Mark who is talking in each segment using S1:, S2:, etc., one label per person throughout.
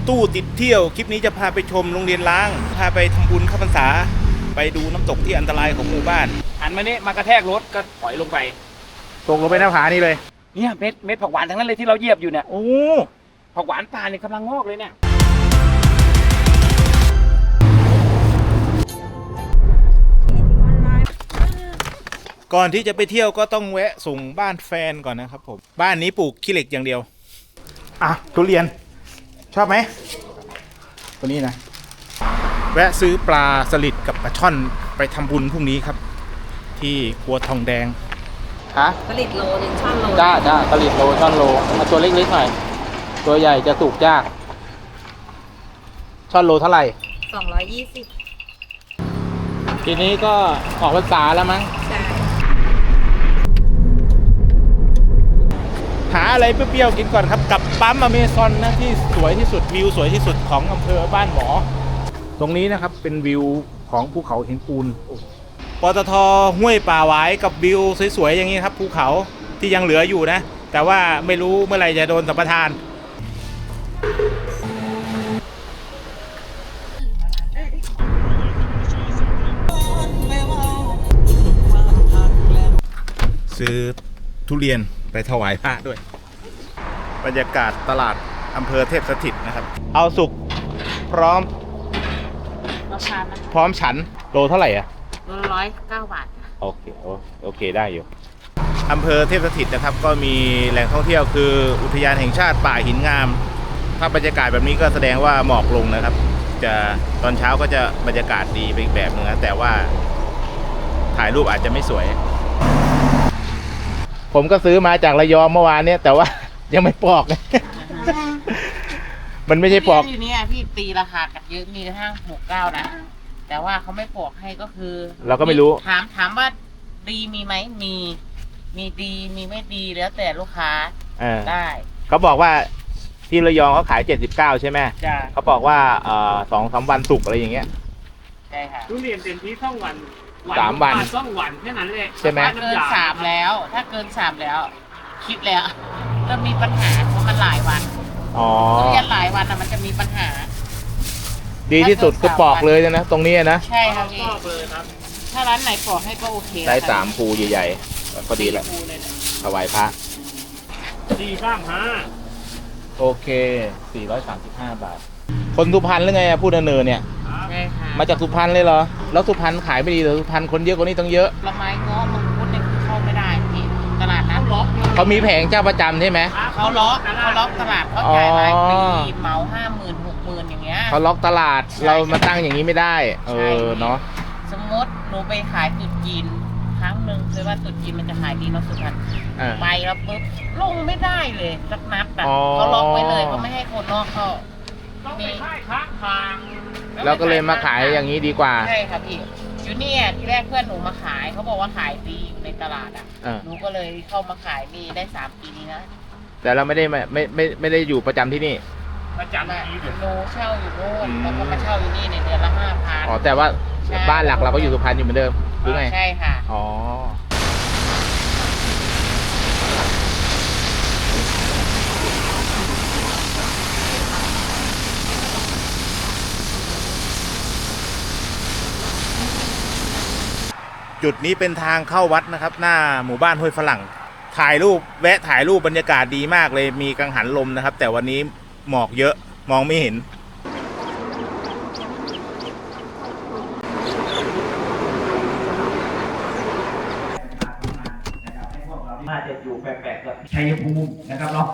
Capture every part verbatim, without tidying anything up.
S1: ตู้ติดเที่ยวคลิปนี้จะพาไปชมโรงเรียนล้างพาไปทำบุญเข้าพรรษาไปดูน้ำตกที่อันตรายของหมู่บ้าน
S2: หันมาเนี่ยมากระแทกรถก็ถอยลงไป
S1: ตกลงไปหน้าผานี่เลย
S2: เนี่ยเม็ดเม็ดผักหวานทั้งนั้นเลยที่เราเหยียบอยู่เนี่ย
S1: โอ้
S2: ผักหวานป่าเนี่ยกำลังงอกเลยเนี่ย
S1: ก่อนที่จะไปเที่ยวก็ต้องแวะส่งบ้านแฟนก่อนนะครับผมบ้านนี้ปลูกขี้เหล็กอย่างเดียวอ่ะทุเรียนชอบไหมตัวนี้นะแวะซื้อปลาสลิดกับปลาช่อนไปทำบุญพรุ่งนี้ครับที่ครัวทองแดง
S3: ฮะสลิดโลหนึ่งช่อนโลจ้าจ้าสลิดโลช่อนโลเอาตัวเล็กๆหน่อยตัวใหญ่จะสุกยากช่อนโลเท่าไหร่
S4: สองร้อยยี่สิบ
S3: ทีนี้ก็ออกพรรษาแล้วมั้ง
S4: ใช่
S1: หาอะไรเปรี้ยวๆกินก่อนครับกับปั๊มอเมซอนนะที่สวยที่สุดวิวสวยที่สุดของอำเภอบ้านหมอตรงนี้นะครับเป็นวิวของภูเขาหินปูนปตท.ห้วยป่าหวายกับวิวสวยๆอย่างนี้ครับภูเขาที่ยังเหลืออยู่นะแต่ว่าไม่รู้เมื่อไหร่จะโดนสัมปทานซื้อทุเรียนไปถวายพระด้วยบรรยากาศตลาดอำเภอเทพสถิตนะครับเอาสุกพร้อมพร้อมฉันโลเท่าไหร่อ่ะ
S4: โลร้อยเก้าบาท
S1: โอเคโอเคได้อยู่อำเภอเทพสถิตนะครับก็มีแหล่งท่องเที่ยวคืออุทยานแห่งชาติป่าหินงามถ้าบรรยากาศแบบนี้ก็แสดงว่าหมอกลงนะครับจะตอนเช้าก็จะบรรยากาศดีไปอีกแบบนึงนะแต่ว่าถ่ายรูปอาจจะไม่สวยผมก็ซื้อมาจากระยองเมื่อวานเนี่ยแต่ว่ายังไม่ปอกเลยมันไม่ใช่ปอก
S4: ที่นี่พี่ตีราคากันเยอะมีกระทั่งหกเก้านะแต่ว่าเขาไม่ปอกให้ก็คือ
S1: เราก็ไม่รู้
S4: ถามถามว่าดีมีไหมมีมีดีมีไม่ดีแล้วแต่ลูกค้าได้
S1: เขาบอกว่าที่ระยองเขาขายเจ็ดสิบเก้าใช่ไหมเขาบอกว่าเอ่อสองสามวันสุกอะไรอย่างเงี้ย
S4: ใช่ค่ะ
S2: ทุเรียนเต็มที่สองวัน
S1: สามวัน
S2: สองวันแค่นั้นเลย
S1: ใช่ไหม
S4: เกินสามแล้วถ้าเกินสามแล้วคิดแล้วเริ่มมีปัญหาเพราะมันหลายวัน
S1: อ๋อ
S4: ทุเรียนหลายวันอ่ะมันจะมีปัญหา
S1: ดีที่สุดคือปอกเลยนะตรงนี้นะ
S4: ใช่ครับพี่ปอกเลยครับถ้าร้านไหนปอกให้ก็โอเค
S1: ได้สามภูใหญ่ๆพอดีแหละถวายพระ
S2: สี่สามห้า
S1: โอเคสี่ร้อยสามสิบห้าบาทคนสุพรรณหรือไงพูดเนินเนี่ย
S4: ใช่ค่ะ
S1: มาจากสุพรรณเลยเหรอแล้วสุพรรณขายไม่ดีหรือสุพรรณคนเยอะกว่านี้ต้องเยอะ
S4: ละไม้ง้อมังคุดเนี่ยเข้าไม่ได้พี่ตลาดนัดล็อก
S1: เขามีแผงเจ้าประจำใช่ไหม
S4: เขาล็อกเขาล็อกตลาดเขาจ่ายรายปีเหมาห้าหมื่นหกหมื่นอย่างเงี้ย
S1: เขาล็อกตลาดเรามาตั้งอย่างนี้ไม่ได้เออเนาะ
S4: สมมติหนูไปขายตุดจีนครั้งหนึ่งเคยว่าตุดจีนมันจะขายดีเนาะสุพรรณไปแล้วปุ๊บลงไม่ได้เลยสักนัดแบบเขาล็อกไว้เลยเขาไม่ให้คนนอกเข้า
S2: มีค้างทาง
S1: เราก็เลยมาขายอย่างนี้ดีกว่า
S4: ใช่ครับพี่อยู่เนี่ยที่แรกเพื่อนหนูมาขายเขาบอกว่าขายดีอยู่ในตลาดอ่ะหนูก็เลยเข้ามาขายมีได้สามปีนี้นะ
S1: แต่เราไม่ได้ไม่ไม่ไม่ไม่ได้อยู่ประจำที่นี่
S2: ประจำที่
S4: หนูเช่าอยู่โน่นแล้วก็มาเช่าอยู่นี่ในเดือนละห้าพัน
S1: อ๋อแต่ว่าบ้านหลักเราก็อยู่สุพรรณอยู่เหมือนเดิมหรือไง
S4: ใช่ค่ะ
S1: อ๋อจุดนี้เป็นทางเข้าวัดนะครับหน้าหมู่บ้านห้วยฝรั่งถ่ายรูปแวะถ่ายรูปบรรยากาศดีมากเลยมีกังหันลมนะครับแต่วันนี้หมอกเยอะมองไม่เห็น
S2: น่าจะอยู่แปลกๆกับชัยภูมินะครับเนาะ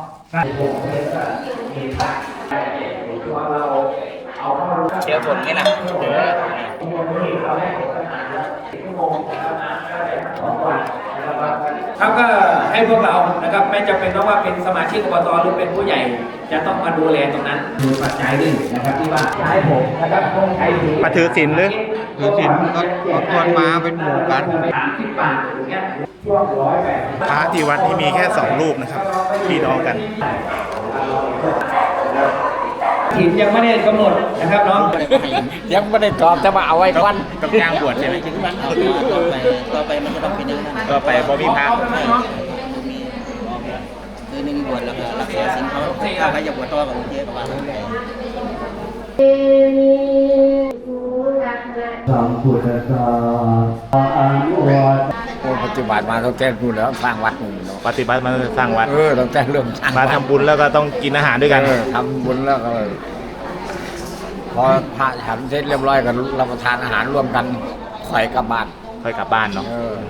S2: เดี๋ยวฝนนี่แหละเขาก็ให้พวกเรานะครับไม่จำเป็นต้องว่าเป็นสมาชิกอบตหรือเป็นผู้ใหญ่จะต้องมาดูแลตรงนั้นดูปัจจัยหนึ่งนะครับที่ว่าใช้ผมนะครับต้องใช้ถือ
S1: มาถือศีลหรือ
S3: ถือศีลก็ก็ตวนมาเป็นหมู่กัน
S2: สามสิบบาทอย่างเงี้ย
S1: พระที่วัดที่มีแค่สองรูปนะครับพี่น้องกัน
S2: ถิ่นยังไม่ได้กำหนดนะครับน้อง
S3: ยังไม่ได้ตอบจะมาเอาไว้ควัน
S1: ต้องจ้างบวชใช่ไหม
S5: ถึงวันเอาต่อไปต่อไปมันจะต้องเป็นอย่างนั้น
S1: ต่อไปบ่มีพระ
S5: คือหนึ่งบวชแล้วก็รักษาศีลเขาถ้าใครจะบวชต่อกับเจ๊ประมาณนั้น
S2: สัมพุทธัสสะอนุวัตปัจจุบันมาต้องแจ้งดูแล้วสร้างวัดหนึ่งเนาะ
S1: ปฏิบัติมาสร้างวัด
S2: เออต้องแจ้งเริ่มสร้าง
S1: มา
S2: วัด
S1: ทำบุญแล้วก็ต้องกินอาหารด้วยกัน
S2: เออทำบุญแล้วก็พอพระฉันเสร็จเรียบร้อยก็รับประทานอาหารร่วมกันค่อยกลับบ้าน
S1: ค่อยกลับบ้านเนาะ
S2: เออ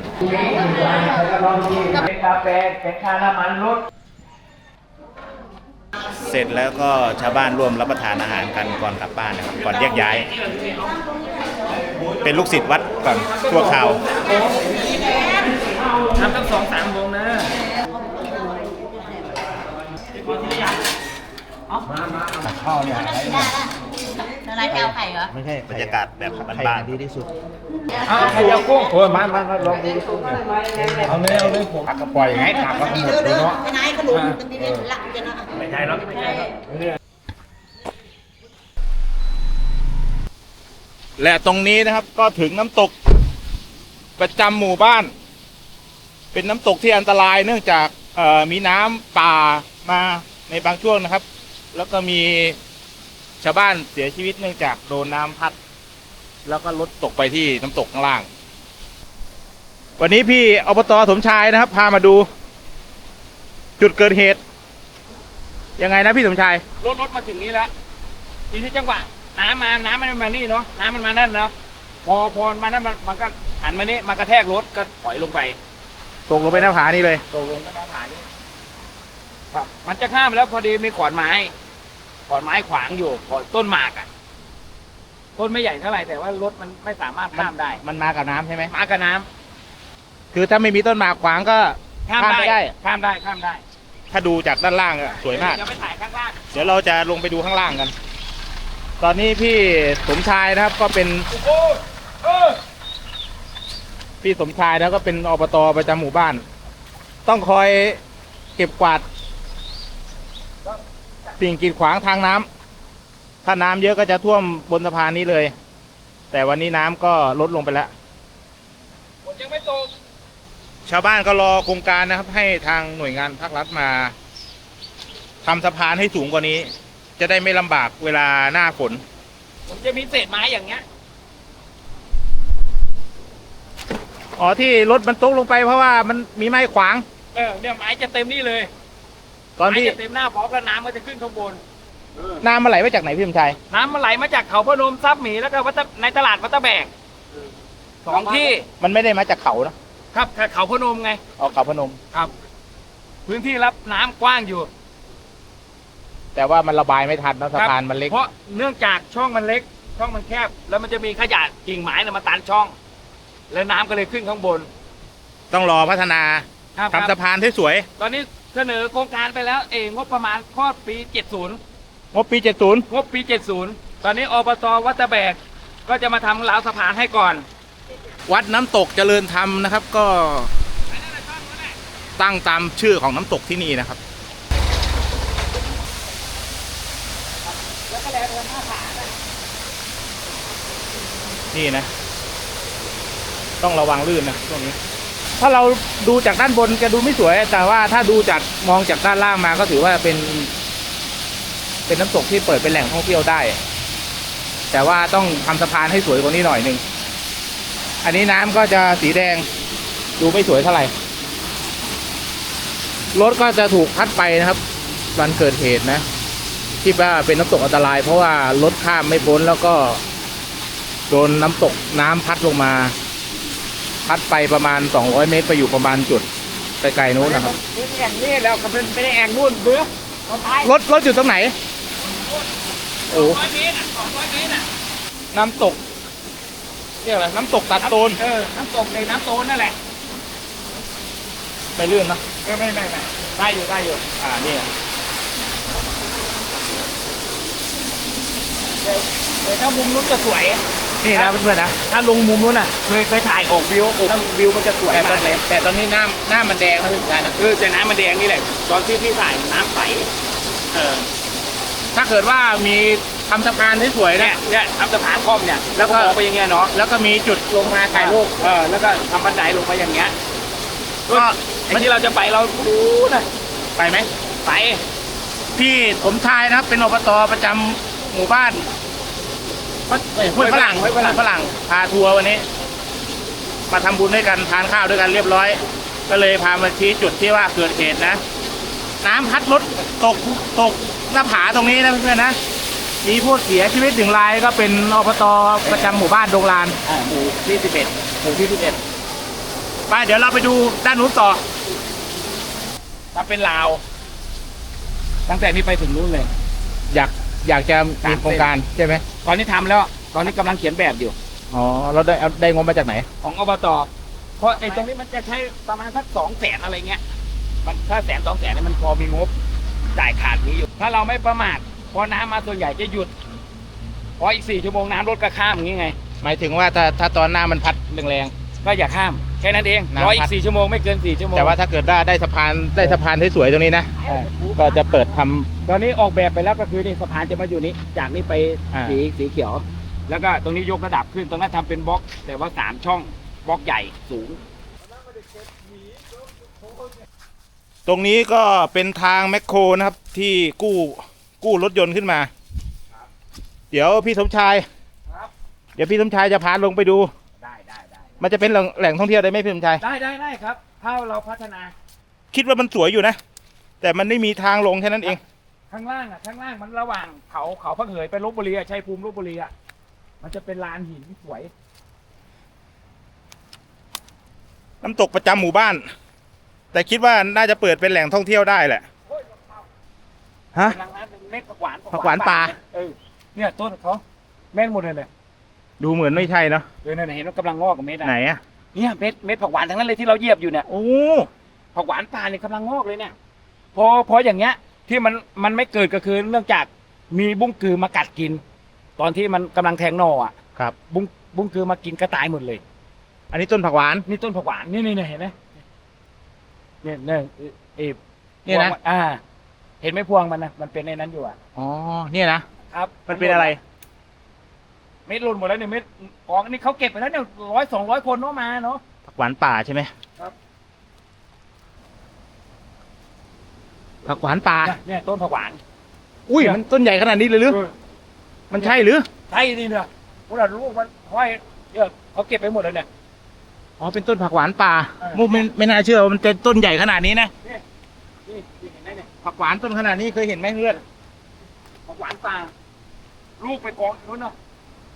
S2: เป็นกาแฟเป็นค่าน้ำมันรถ
S1: เสร็จแล้วก็ชาวบ้านร่วมรับประทานอาหารกันก่อนกลับบ้านนะครับก่อนแยกย้าย เป็นลูกศิษย์วัดก่อนชั่วคราว
S2: ทำตั้งสองสามวงนะข้าวเนี่ย
S4: อะไรแถวไข่เหรอ
S1: ไม่ใช่บรรยากาศแบบบ้านๆดีที่สุด
S2: เอาใครจะกุ้งโอ้ยมามามาลองดูเอาเลยเอาเลยผมผักกระป๋อยไงผักก็หมดเลยเนาะ
S4: ไปไหนขนมตรงนี้หลักจะนะ
S2: ไม่ใช่หรอกไม่ใช่หรอก
S1: และตรงนี้นะครับก็ถึงน้ำตกประจำหมู่บ้าน เป็นน้ำตกที่อันตรายเนื่องจากเอ่อมีน้ำป่ามาในบางช่วงนะครับ แล้วก็มีชาวบ้านเสียชีวิตเนื่องจากโดนน้ำพัด แล้วก็รถตกไปที่น้ำตกข้างล่าง วันนี้พี่อบต.สมชายนะครับ พามาดู จุดเกิดเหตุยังไงนะพี่สมชาย
S2: รถรถมาถึงนี้แล้วทีนี้จังหวะน้ำมาน้ำมันมานี่เนาะน้ำมันมานั่นเนาะพอพอมานั่นมันมันก็หันมานี่มากระแทกรถก็ถอยลงไป
S1: ตกลงไปหน้าผานี่เลย
S2: ตกลงก็หน้าผานี่ครับมันจะข้ามแล้วพอดีมีขอนไม้ขอนไม้ขวางอยู่ขอนต้นหมากอ่ะต้นไม่ใหญ่เท่าไหร่แต่ว่ารถมันไม่สามารถข้ามได้
S1: มันมากับน้ำใช่ไหม
S2: มากับน้ำ
S1: คือถ้าไม่มีต้นหมากขวางก็
S2: ข้าม
S1: ข้าม
S2: ได้
S1: ไม่ได้
S2: ข้ามได้ข้ามได้
S1: ถ้าดูจากด้านล่างอะสวยมาก
S2: จะไปถ่ายข้างล่าง
S1: เดี๋ยวเราจะลงไปดูข้างล่างกัน ตอนนี้พี่สมชายนะครับ ก็เป็น
S2: โอ้โหเออ
S1: พี่สมชายแล้วก็เป็นอบต.ประจำหมู่บ้าน ต้องคอยเก็บกวาด สิ่งกีดขวางทางน้ำถ้าน้ำเยอะก็จะท่วมบนสะพานนี้เลย แต่วันนี้น้ำก็ลดลงไปแล้ว
S2: ฝนยังไม่ตก
S1: ชาวบ้านก็รอโครงการนะครับ ให้ทางหน่วยงานภาครัฐมาทำสะพานให้สูงกว่านี้ จะได้ไม่ลำบากเวลาหน้าฝน
S2: ผมจะมีเศษไม้อย่างเงี้ย
S1: อ๋อที่รถมันตกลงไปเพราะว่ามันมีไม้ขวาง
S2: เออเนี่ยไม้จะเต็มนี่เลย
S1: ตอนที่
S2: ไม้จะเต็มหน้าพร้อมแล้วน้ำมันจะขึ้นข้างบน
S1: น้ำมันไหลมาจากไหนพี่สมชาย
S2: น้ำมันไหลมาจากเขาพนมซับหมีแล้วก็วัดตะในตลาดวัดตะแบกสองที่
S1: มันไม่ได้มาจากเขานะครับ
S2: เขาพนมไง
S1: ออกเขาพนม
S2: ครับ พื้นที่รับน้ำกว้างอยู่
S1: แต่ว่ามันระบายไม่ทันนะสะพานมันเล็ก
S2: เพราะเนื่องจากช่องมันเล็ก ช่องมันแคบ แล้วมันจะมีขยะกิ่งไม้น่ะมาตันช่อง แล้วน้ำก็เลยขึ้นข้างบน
S1: ต้องรอพัฒนา
S2: ครับ
S1: ทำสะพานให้สวย
S2: ตอนนี้เสนอโครงการไปแล้วเองงบประมาณข้อปีเจ็ดสิบ
S1: งบปีเจ็ดสิบ
S2: งบปีเจ็ดสิบตอนนี้อบตวัดตะแบกก็จะมาทำราวสะพานให้ก่อน
S1: วัดน้ำตกเจริญธรรมนะครับ ก็ตั้งตามชื่อของน้ำตกที่นี่นะครับ นี่นะ ต้องระวังลื่นนะตรงนี้ ถ้าเราดูจากด้านบนจะดูไม่สวย แต่ว่าถ้าดูจากมองจากด้านล่างมาก็ถือว่าเป็น เป็นน้ำตกที่เปิดเป็นแหล่งท่องเที่ยวได้ แต่ว่าต้องทำสะพานให้สวยกว่านี้หน่อยหนึ่ง อันนี้น้ำก็จะสีแดง ดูไม่สวยเท่าไหร่ รถก็จะถูกพัดไปนะครับวันเกิดเหตุนะ ที่ว่าเป็นน้ำตกอันตราย เพราะว่ารถข้ามไม่พ้นแล้วก็โดนน้ำตกน้ำพัดลงมา พัดไปประมาณสองร้อยเมตรไปอยู่ประมาณจุดไกลๆนู้นนะครับ
S2: นี่แอ่งนี่แล้วก็เป็นไม่ได้แอ่งนู่นเบื้อเอาไป
S1: รถรถอยู่ตรงไหน โอ้
S2: ร้อยเมตรอ่ะสองร้อยเมตรอ่ะ
S1: น้ำตกเรียกอะไรน้ำตกตัดโตน
S2: เออน้ำตกในน้ำโตนนั่นแหละ
S1: ไม่ลื่นนะ
S2: เออไม่ไม่ไม่ได้อยู่ได้อยู่
S1: อ่านี่
S2: แต่ถ้ามุมนู้นจะสวย
S1: นี่นะเพื่อนๆนะ
S2: ถ้าลงมุมนู้นน่ะเคยเคยถ่ายออกวิวแล้ววิวมันจะสวย
S1: แต่ตอ
S2: มาน กเลย
S1: แต่ตอนนี้น้ำน้ำมันแดงนะพี่ชายนะ
S2: เออแต่น้ำมันแดงนี่แหละตอนที่พี่ถ่ายน้ำใส
S1: เออถ้าเกิดว่ามีทำสะพานที่สวย
S2: เนี่
S1: นะ
S2: ยเนี่ยทำสะพานคอมเนี่ยแล้วก็มองไปอย่างเงี้ยเนาะ
S1: แล้วก็มีจุดลงมาถ่ายรูป
S2: เออแล้วก็ทำบันไดลงไปอย่างเงี้ย
S1: ก็
S2: ไอ้ที่เราจะไปเราดูนะ
S1: ไปไหม
S2: ไป
S1: พี่สมชายนะครับ เป็นอบตประจำหมู่บ้านห้วยฝรั่งห้วยฝรั่งฝรั่งพาทัวร์วันนี้ มาทำบุญด้วยกันทานข้าวด้วยกันเรียบร้อย ก็เลยพามาชี้จุดที่ว่าเกิดเหตุนะ น้ำพัดรถตกตกหน้าผาตรงนี้นะเพื่อนๆนะมีผู้เสียชีวิตหนึ่งรายก็เป็นอบตประจำหมู่บ้านดงลาน
S2: อ่าหมู่ที่สิบเอ็ดหมู่ที่สิบเอ็ด
S1: ไปเดี๋ยวเราไปดูด้านนู้นต่อ
S2: ถ้าเป็นลาวตั้งแต่นี้ไปถึงนู้นเลย
S1: อยากอยากจะมีโครงการใช่ไหม
S2: ตอนนี้ทำแล้ว ตอนนี้กำลังเขียนแบบอยู่
S1: อ๋อเราได้เอาได้งบมาจากไหน
S2: ของอบตเพราะไอ้ตรงนี้มันจะใช้ประมาณสักสองแสนอะไรเงี้ยมันถ้าแสนสองแสนเนี่ยมันพอมีงบจ่ายขาดนี้อยู่ ถ้าเราไม่ประมาทพอน้ำมาส่วนใหญ่จะหยุดพออีกสี่ชั่วโมงน้ำรถก็ข้ามอย่างงี้ไง
S1: หมายถึงว่าถ้าถ้าตอนหน้ามันพัดแรง
S2: ก็อย่าข้ามแค่นั้นเอง
S1: น้ำพัด
S2: รออีกสี่ชั่วโมงไม่เกินสี่ชั่วโม
S1: ๆ
S2: ง
S1: แต่ว่าถ้าเกิดได้ได้สะพานได้สะพานสวยๆตรงนี้นะ
S2: เออ
S1: ก็จะเปิดทำ
S2: ตอนนี้ออกแบบไปแล้วก็คือนี่สะพานจะมาอยู่นี้จากนี้ไป
S1: อ่า
S2: สีสีเขียว แล้วก็ตรงนี้ยกระดับขึ้นตรงนั้นทำเป็นบล็อก แต่ว่าสามช่องบล็อกใหญ่สูง
S1: ตรงนี้ก็เป็นทางแมคโครนะครับที่กู้กู้รถยนต์ขึ้นมา เดี๋ยวพี่สมชาย
S2: ครับ
S1: เดี๋ยวพี่สมชายจะพาลงไปดู
S2: ได้ได้ได้
S1: มันจะเป็นแหล่งแหล่งท่องเที่ยวได้ไหมพี่สมชาย
S2: ได้ได้ได้ครับถ้าเราพัฒนา
S1: คิดว่ามันสวยอยู่นะ แต่มันไม่มีทางลงแค่นั้นเอง
S2: ข้างล่างอ่ะข้างล่างมันระหว่างเขาเขาพักเหยไปลบบุรีอ่ะชัยภูมิลบบุรีอ่ะมันจะเป็นลานหินสวย
S1: น้ำตกประจำหมู่บ้าน แต่คิดว่าน่าจะเปิดเป็นแหล่งท่องเที่ยวได้แหละ ฮะ
S2: กำลังนั้นเป็นเม็ดผักหวาน
S1: ผักหวานป่า
S2: เออเนี่ยต้นเขาเม็ดหมดเลยเนี่ย
S1: ดูเหมือนไม่ใช่เนาะ
S2: เออเนี่ยเห็นว่ากำลังงอกกับเม็ดอ่ะ
S1: ไหนอะ
S2: เนี่ยเม็ดเม็ดผักหวานทั้งนั้นเลยที่เราเหยียบอยู่เนี่ย
S1: โอ้
S2: ผักหวานป่าเนี่ยกำลังงอกเลยเนี่ยพอพออย่างเงี้ยที่มันมันไม่เกิดก็คือเนื่องจากมีบุ้งกือมากัดกิน ตอนที่มันกำลังแทงหนออ่ะ
S1: ครับ
S2: บุ้งบุ้งกือมากินก็ตายหมดเลย
S1: อันนี้ต้นผักหวาน
S2: นี่ต้นผักหวานนี่นี่เนี่ยเห็นไหมเนี่ยเนี่ยเออ
S1: เนี่ยนะ
S2: พวงมัอ่า เห็นไหมพวงมันนะมันเป็นในนั้นอยู่อ่ะ
S1: อ๋อ เนี่ยนะ
S2: ครับ
S1: มันเป็นอะไร
S2: เม็ดหล่นหมดแล้วเนี่ยเม็ดกองอันนี้เขาเก็บไปแล้วเนี่ยร้อยสองร้อยคนเนาะมาเนาะ
S1: ผักหวานป่าใช่ไหม
S2: ครับ
S1: ผักหวานป่า
S2: เนี่ยเนี่ยต้นผักหวาน
S1: อุ้ย มันต้นใหญ่ขนาดนี้เลยหรือ
S2: เออ
S1: มันใช่หรือ
S2: ใช่นี่เนี่ยพวกเราลูกมันห้อยเนี่ยเขาเก็บไปหมดเลยเนี่ย
S1: อ๋อ เป็นต้นผักหวานป่า
S2: เออ
S1: มุกไม่ไม่น่าเชื่อว่ามันจะต้นใหญ่ขนาดนี้นะ
S2: นี่นี่นี่เห็นไหมเนี่ย
S1: ผักหวานต้นขนาดนี้เคยเห็นไหมเพื่อน
S2: ผักหวานป่าลูกไปกองอยู่นู้นเนาะ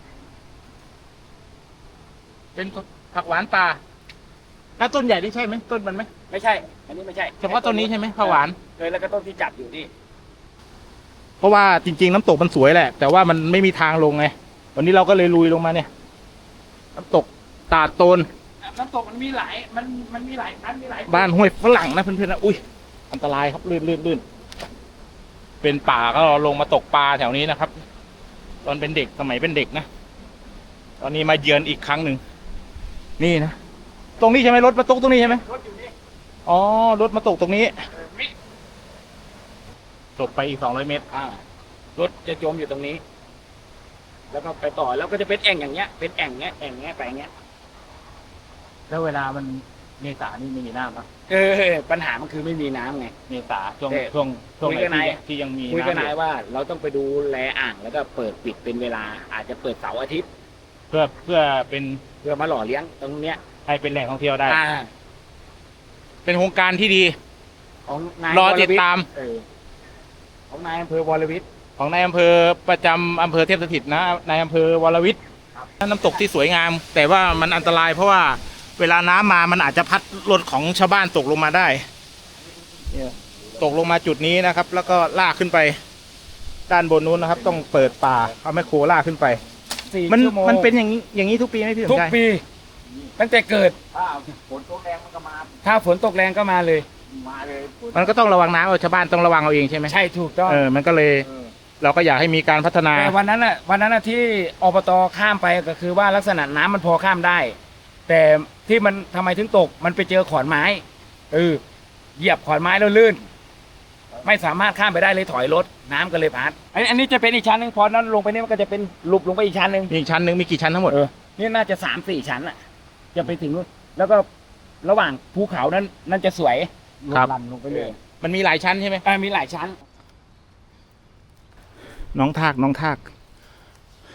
S1: เป็นผักหวานป่าถ้าต้นใหญ่นี่ใช่ไหมต้นมันไหม
S2: ไม่ใช่ อันนี้ไม่ใช่
S1: เฉพาะต้นนี้ใช่ไหมผักหวาน
S2: เออแล้วก็ต้นที่จับอยู่นี่
S1: เพราะว่าจริงๆน้ำตกมันสวยแหละ แต่ว่ามันไม่มีทางลงไง วันนี้เราก็เลยลุยลงมาเนี่ย น้ำตกตาดโตน
S2: น้ำตกมันมีหลายมันมันมีหลายชั้นมีหลาย
S1: บ้านห้วยฝรั่งนะเพื่อนๆนะ อุ้ย อันตรายครับลื่นลื่นลื่นเป็นป่าก็ลงมาตกปลาแถวนี้นะครับ ตอนเป็นเด็กสมัยเป็นเด็กนะ ตอนนี้มาเยือนอีกครั้งหนึ่ง นี่นะ ตรงนี้ใช่ไหมรถมาตกตรงนี้ใช่ไหม
S2: รถอยู่นี่
S1: อ๋อ รถมาตกตรงนี้
S2: เออมิ
S1: ตกไปอีกสองร้อยเมตร
S2: อ่ารถจะจมอยู่ตรงนี้ แล้วก็ไปต่อแล้วก็จะเป็นแอ่งอย่างเงี้ย เป็นแอ่งเงี้ยแอ่งเงี้ยไปเงี้ย
S1: แล้วเวลามันเมษานี่ไม่มีน้ำปะ
S2: เออปัญหามันคือไม่มีน้ำไง
S1: เมษาช่วง
S2: เอ๊ะ
S1: ช่วงช่วง
S2: คุย
S1: ไหน
S2: กับนาย
S1: ที่ที่ยังมี
S2: คุยกับ
S1: น้ำ
S2: นาย
S1: อยู่
S2: ว่าเราต้องไปดูแลอ่างแล้วก็เปิดปิดเป็นเวลา อาจจะเปิดเสาร์อาทิตย์
S1: เพื่อเพื่อเป็น
S2: เพื่อมาหล่อเลี้ยงตรงเนี้ย
S1: ให้เป็นแหล่งท่องเที่ยวได้
S2: อ่า
S1: เป็นโครงการที่ดี
S2: ของนาย
S1: รอติดตาม
S2: เออของนายอำเภอวรวิทย์
S1: ของนายอำเภอประจำอำเภอเทพสถิตนะนายอำเภอวรวิทย์น้ำตกที่สวยงาม แต่ว่ามันอันตรายเพราะว่าเวลาน้ำมามันอาจจะพัดรถของชาวบ้านตกลงมาได้เนี่ยตกลงมาจุดนี้นะครับ แล้วก็ลากขึ้นไป ด้านบนนู้นนะครับ ต้องเปิดป่าเอาแมคโครลากขึ้นไป
S2: สี่
S1: มัน
S2: ชั่วโมง
S1: มันเป็นอย่างนี้อย่างนี้ทุกปีไหมพี่ส
S2: ทุ
S1: ม
S2: ก
S1: ชาย
S2: ปี ตั้งแต่เกิด
S5: ถ้าฝนตกแรงมันก็มา
S2: ถ้าฝนตกแรงก็มาเลย
S5: มาเลย
S1: มันก็ต้องระวังน้ำเอาชาวบ้านต้องระวังเอาเองใช่ไหม
S2: ใช่ถูกต้อง
S1: เออมันก็เลย
S5: เออ
S1: เราก็อยากให้มีการพัฒนา
S2: แต่วันนั้นอ่ะวันนั้นอ่ะที่อบตข้ามไปก็คือว่าลักษณะน้ำมันพอข้ามได้ แต่ที่มันทำไมถึงตกมันไปเจอขอนไม้เออเหยียบขอนไม้แล้วลื่น ไม่สามารถข้ามไปได้เลยถอยรถน้ำก็เลยพัดอันอันนี้จะเป็นอีกชั้นหนึ่งพอนั้นลงไปนี่มันก็จะเป็นหลุบลงไปอีกชั้นหนึ่ง
S1: มีอีกชั้นหนึ่งมีกี่ชั้นทั้งหมด
S2: เออนี่น่าจะสามสี่ชั้นอ่ะ จะไปถึงนู้นแล้วก็ระหว่างภูเขานั้นนั่นจะสวยลงลันลงไปเลย
S1: มันมีหลายชั้นใช่ไหม
S2: อ่ามีหลายชั้น
S1: น้องทากน้องทาก
S2: แบบ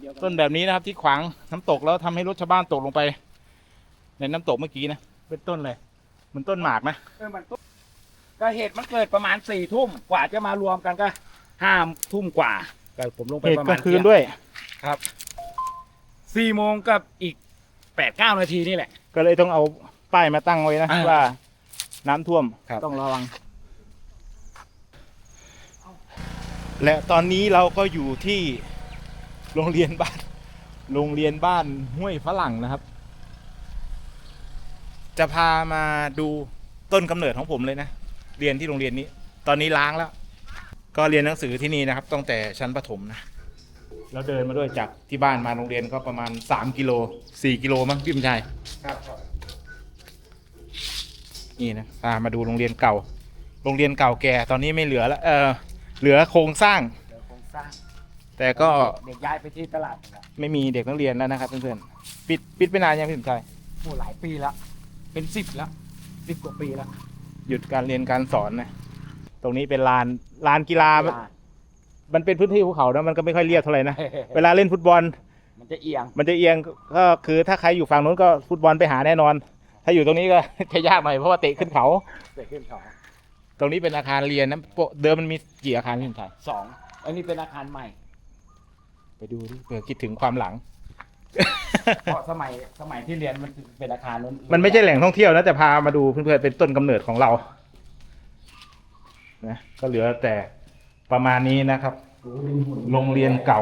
S2: ดียวกั
S1: ต้นแบบนี้นะครับที่ขวางน้ำตกแล้วทำให้รถชาวบ้านตกลงไป ในน้ำตกเมื่อกี้นะเป็นต้นอะไรเหมือนต้นหมากนะ
S2: เออมันต้นก็เหตุมันเกิดประมาณสี่ทุ่มกว่าจะมารวมกันก็ห้าทุ่มกว่าก็ผมลงไป
S1: เหตุ
S2: ประ
S1: ก
S2: มา
S1: ลา
S2: ณ
S1: งคืนด้วย
S2: ครับสี่โมงกับอีกแปดเก้านาทีนี่แหละ
S1: ก็เลยต้องเอาป้ายมาตั้งไว้นะ
S2: อ่า
S1: ว่าน้ำท่วม
S2: ครับ
S1: ต้องระวัง และตอนนี้เราก็อยู่ที่โรงเรียนบ้านโรงเรียนบ้านห้วยฝรั่งนะครับ จะพามาดูต้นกำเนิดของผมเลยนะเรียนที่โรงเรียนนี้ ตอนนี้ล้างแล้ว ก็เรียนหนังสือที่นี่นะครับตั้งแต่ชั้นประถมนะแล้วเดินมาด้วยจากที่บ้านมาโรงเรียนก็ประมาณสามกิโลสี่กิโลมั้งพี่บุญชัย
S2: ครับ
S1: นี่นะพามาดูโรงเรียนเก่า โรงเรียนเก่าแก่ตอนนี้ไม่เหลือแล้วเออเหลือโครงสร้าง
S2: เดี๋ยวโครงสร้าง
S1: แต่ก็
S2: เด็กย้ายไปที่ตลาดแล้ว
S1: ไม่มีเด็กนักเรียนแล้วนะครับเพื่อนๆปิดปิดไปนานยังพี่บุญชัย
S2: โอ้หลายปีแล้วเป็นสิบแล้วสิบกว่าปีแล้ว
S1: หยุดการเรียนการสอนนะตรงนี้เป็นลานลานกีฬา มันเป็นพื้นที่ภูเขานะมันก็ไม่ค่อยเรียบเท่าไหร่นะ เวลาเล่นฟุตบอล
S2: มันจะเอียง
S1: มันจะเอียงก็คือถ้าใครอยู่ฝั่งนู้นก็ฟุตบอลไปหาแน่นอน ถ้าอยู่ตรงนี้ก็ จะยากหน่อยเพราะว่าเตะขึ้นเขา
S2: เกิดขึ้นเขา
S1: ตรงนี้เป็นอาคารเรียนนะปกเดิมมันมีกี่อาคารพี่บุญชัย
S2: สองอันนี้เป็นอาคารใหม่
S1: ไปดูดิเผื่อคิดถึงความหลัง
S2: เพราะสมัยสมัยที่เรียนมันเป็นอาคารนู้น
S1: มันไม่ใช่แหล่งท่องเที่ยวนะแต่พามาดูเพื่อนๆเป็นต้นกำเนิดของเรานะก็เหลือแต่ประมาณนี้นะครับ โรงเรียนเก่า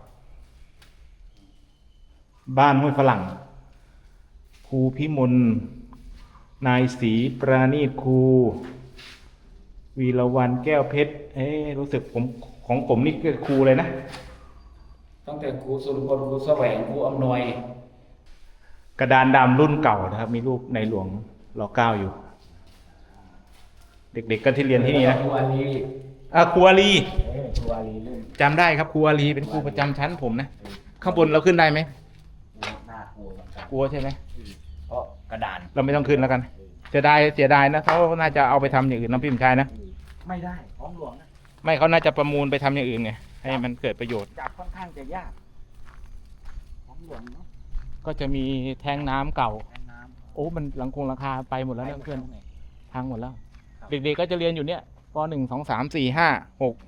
S1: บ้านห้วยฝรั่งครูพิมลนายศรีปราณีตครูวีรวันแก้วเพชรเอ๊ะรู้สึกผมของผมนี่คือครูเลยนะ
S2: ตั้งแต่ครูสุรพลครูแสวงครูอำนวย
S1: กระดานดำรุ่นเก่านะครับ มีรูปในหลวงรอเก้าอยู่ เด็กๆก็ที่เรียนที่นี่นะ
S2: ครูอาลี
S1: อ่ะครูอาลี
S2: เออครูอาลีรุ่น
S1: จำได้ครับครูอาลีเป็นครูประจำชั้นผมนะข้างบนเราขึ้นได้ไหม
S2: น่ากลัวเหมือนกัน
S1: กลัวใช่ไหม
S2: เพราะกระดาน
S1: เราไม่ต้องขึ้นแล้วกันเสียดายเสียดายนะเขาน่าจะเอาไปทำอย่างอื่นน้ำพิมพ์ชายนะ
S2: ไม่ได้ของหลวงนะ
S1: ไม่เขาน่าจะประมูลไปทำอย่างอื่นไงให้มันเกิดประโยชน์
S2: จับค่อนข้างจะยากของหลวงเนาะ
S1: ก็จะมีแทงน้ำเก่า
S2: แทงน้ำ
S1: โอ้มันหลังคงหลังคาไปหมดแล้วนะเพื่อน
S2: ไปหมดแล้ว
S1: พังหมดแล้ว
S2: ครับ
S1: เด็กๆก็จะเรียนอยู่เนี่ยปหนึ่งสองสามสี่ห้าหก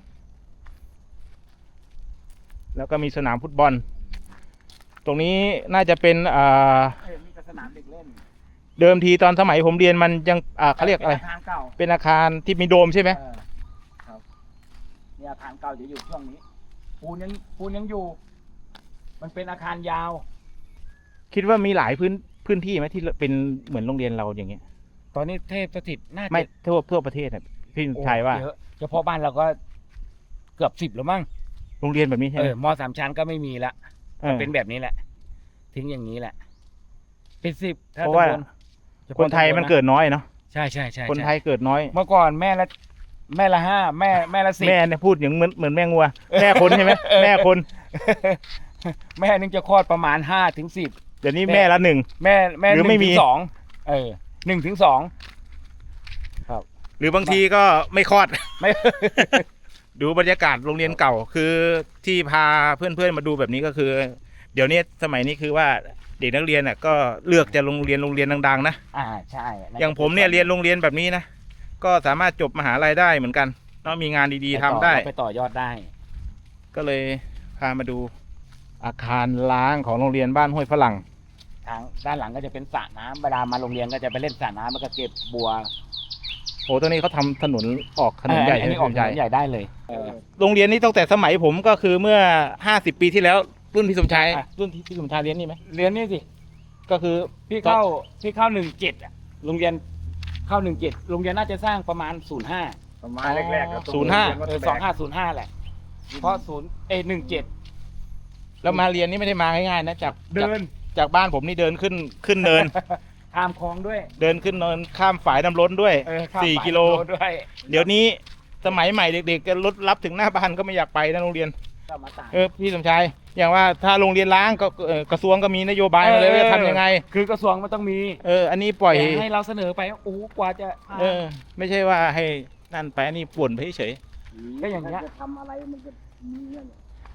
S1: แล้วก็มีสนามฟุตบอล ตรงนี้น่าจะเป็นอ่า
S2: เอ้ยมีแต่สนามเด็กเล่น
S1: เดิมทีตอนสมัยผมเรียนมันยังอ่าเขาเรียกอะไร
S2: ป็นอาคารเก่า
S1: เป็นอาคารที่มีโดมใช่ไหม
S2: เออครับนี่อาคารเก่าจะอยู่ช่วงนี้ปูนยังปูนยังอยู่ มันเป็นอาคารยาว
S1: คิดว่ามีหลายพื้นพื้นที่ไหมที่เป็นเหมือนโรงเรียนเราอย่างเงี้ย
S2: ตอนนี้เทพสถิตน่าจะ
S1: ไม่ทั่วทั่วประเทศอะพี่
S2: โอ้
S1: ชัยว่า
S2: เยอะเฉพาะบ้านเราก็เกือบสิบแล้วมั้ง
S1: โรงเรียนแบบนี้ใช่
S2: เอ
S1: ไหม
S2: อมสามชั้นก็ไม่มีละ
S1: เออ
S2: เป็นแบบนี้แหละ ทิ้งอย่างนี้แหละ เป็นสิบถ้
S1: เพราะว่า
S2: ตำบลเฉพาะ
S1: คนไทยมัน
S2: ตำบละ
S1: เกิดน้อยเนาะ
S2: ใช่ใช่ใช่
S1: คน
S2: ใช่
S1: ไทยเกิดน้อย
S2: เมื่อก่อนแม่ละแม่ละห้าแม่แม่ละสิบ
S1: แม่เนี่ยพูดอย่างเหมือนเหมือนแม่งัว แม่คนใช่ไหมแม่คน
S2: แม่นึงจะคลอดประมาณห้าถึงสิบ
S1: เดี๋ยวนี้แม่ละหนึ่ง
S2: แม่แม่
S1: หรือ
S2: ห
S1: ไม่
S2: นึ่ง
S1: มี
S2: ถึงสองเออหนึ่งถึงสอง
S1: หรือบางทีก็ไม่คลอด
S2: ไม่
S1: ดูบรรยากาศโรงเรียนเก่า คือที่พาเพื่อนๆมาดูแบบนี้ก็คือ เดี๋ยวนี้สมัยนี้คือว่าเด็กนักเรียนน่ะก็เลือกจะโรงเรียนโรงเรียนดังๆนะ
S2: อ่าใช่
S1: อย่างผมเนี่ยเรียนโรงเรียนแบบนี้นะก็สามารถจบมหาลัยได้เหมือนกันต้องมีงานดีๆทำได้
S2: ไปต่อยอดได้
S1: ก็เลยพามาดูอาคารล้างของโรงเรียนบ้านห้วยฝรั่ง
S2: ทางด้านหลังก็จะเป็นสระน้ำเวลามาโรงเรียนก็จะไปเล่นสระน้ำแล้วก็เก็บบัว
S1: โอ้ตรงนี้เขาทำถนนออกถนนใหญ่
S2: เอออันนี้ออกถนนใหญ่ได้เลยเออ
S1: โรงเรียนนี้ตั้งแต่สมัยผมก็คือเมื่อห้าสิบปีที่แล้วรุ่นพี่สมชาย
S2: อ่ะ
S1: รุ่นที่พี่สมชายเรียนนี่ไหม
S2: เรียนนี่สิ
S1: ก็คือ
S2: พี่เข้าพี่เข้าหนึ่งเจ็ดอะโรงเรียนเข้าหนึ่งเจ็ดโรงเรียนน่าจะสร้างประมาณศูนย์ห้า
S5: ประมาณแรกๆครับ
S1: ศูนย์ห้า
S2: เออสองห้าศูนย์ห้าแหละ เพราะศูนย์เอหนึ่งเจ็ด
S1: แล้วมาเรียนนี่ไม่ได้มาง่ายๆนะจาก
S2: เดิน
S1: จากจากบ้านผมนี่เดินขึ้นขึ้นเนิน
S2: ข้ามคลองด้วย
S1: เดินขึ้นเนินข้ามฝายน้ำล้นด้วย
S2: เออข้าม
S1: สี่
S2: ฝ่าย
S1: กิโล
S2: ด้วย
S1: เดี๋ยวนี้สมัยใหม่เด็กๆจะรถรับถึงหน้าบ้านก็ไม่อยากไปนะโรงเรียน
S2: ก็มาต่าง
S1: เออพี่สมชายอย่างว่าถ้าโรงเรียนล้างก็เอ่อกระทรวงก็มีนโยบายมาเลยว่าจะทำยังไง
S2: คือกระทรวงมันต้องมี
S1: เอออันนี้ปล่อย
S2: แต่ให้เราเสนอไปโอ้โหกว่าจะ
S1: เออ ไม่ใช่ว่าให้นั่นไปอันนี้ป่วนไปเฉย
S2: ก็อย่างเงี้ย
S5: จะทำอะไรมันก็มีเงี้ย
S1: ๆ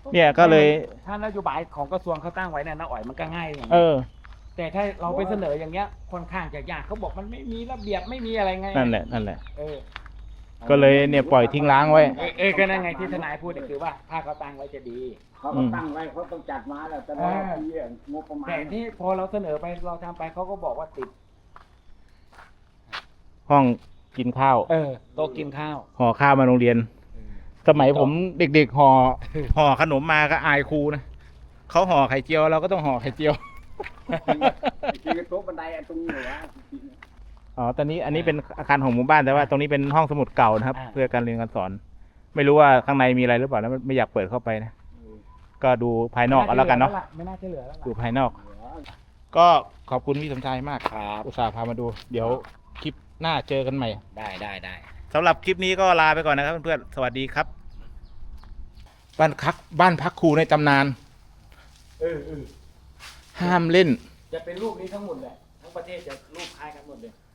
S1: เนี่ยก็เลย
S2: ถ้านโยบายของกระทรวงเขาตั้งไว้เนี่ยน้าอ๋อยมันก็ง่ายอย่าง
S1: เอ
S2: นี้
S1: อ
S2: แต่ถ้าเราไปเสนออย่างเงี้ยค่อนข้างจะยากเขาบอกมันไม่มีระเบียบไม่มีอะไรไง
S1: นั่นแหละนั่นแหละ
S2: เออ
S1: ก็เลยเนี่ยปล่อยทิ้งร้างไว้
S2: เออเออก็นั่นไงที่ทนายพูดเนี่ยคือว่าถ้าเขาตั้งไว้จะดี
S5: เขาก็ตั้งไว้เขาต้องจัดมาแล้วแต่ละปีอะงบประมาณ
S2: แต่ที่พอเราเสนอไปเราทำไปเขาก็บอกว่าติด
S1: ห้องกินข้าว
S2: เออโต๊ะกินข้าว
S1: ห่อข้าวมาโรงเรียน สมัยผมเด็กๆห่อห่อขนมมาก็อายครูนะเขาห่อไข่เจียวเราก็ต้องห่อไข่เจียว
S5: จริงๆโต๊ะบันไดอันตรงนี้เหรอวะ
S1: อ๋อ ตอนนี้อันนี้เป็นอาคารของหมู่บ้านแต่ว่าตรงนี้เป็นห้องสมุดเก่านะครับ
S2: อ่า
S1: เพื่อการเรียนการสอน ไม่รู้ว่าข้างในมีอะไรหรือเปล่านะไม่อยากเปิดเข้าไปนะ ก็ดูภายนอกเอาแล้วกันเนาะ
S2: ไม่น่าจะเหลือแล้วล่ะ
S1: ดูภายนอก ก็ขอบคุณพี่สมชายมาก
S2: ครับ
S1: อุตส่าห์พามาดู เดี๋ยวคลิปหน้าเจอกันใหม่
S2: ได้ได้ได้
S1: สำหรับคลิปนี้ก็ลาไปก่อนนะครับเพื่อนๆ สวัสดีครับ บ้านพักบ้านพักครูในตำนาน
S2: เออเออ
S1: ห้ามเล่น
S2: จะเป็นรูปนี้ทั้งหมดแหละทั้งประเทศจะรูปคล้ายกันหมดเลย